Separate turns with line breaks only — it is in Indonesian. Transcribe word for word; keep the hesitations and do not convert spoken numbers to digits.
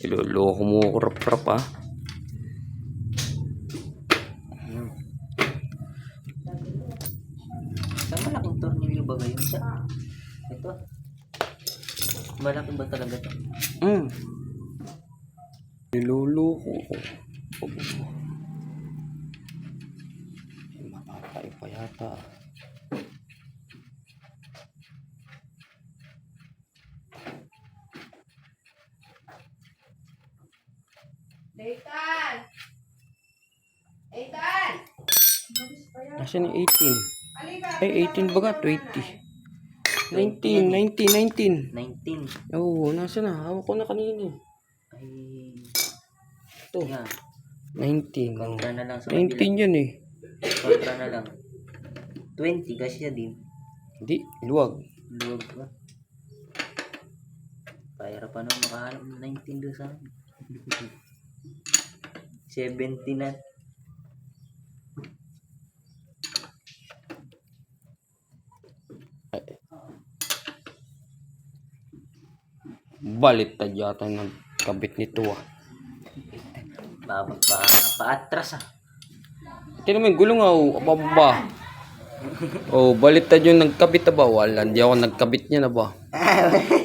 Iloloko mo ko rap-rap ah.
Sa malaking tornilyo ba ba yun? Sa ito. Malaki ba talaga ito?
Hmm. Iloloko ko. Matatay pa yata.
Nathan! Nathan!
Nasaan yung eighteen?
Halika,
Ay, eighteen ba ka? twenty. nineteen, nineteen, nineteen.
nineteen.
Oo, nasa na? Hawak ko na kanina.
Ay.
Ito.
Yan.
nineteen.
Kontra na lang sa
nineteen yan eh.
Kontra na lang. twenty kasi siya din.
Hindi, luwag.
Luwag ba? Pahira pa naman makahanap ng nineteen doon sa akin. seventeen na.
Baliktad yata ng kabit nito ah.
Babag pa. Paatras ah.
Tingnan mo yung gulong ah. Oh, ababa. Oh, baliktad yung nagkabit na ba? Wala, hindi ako nagkabit niya na ba?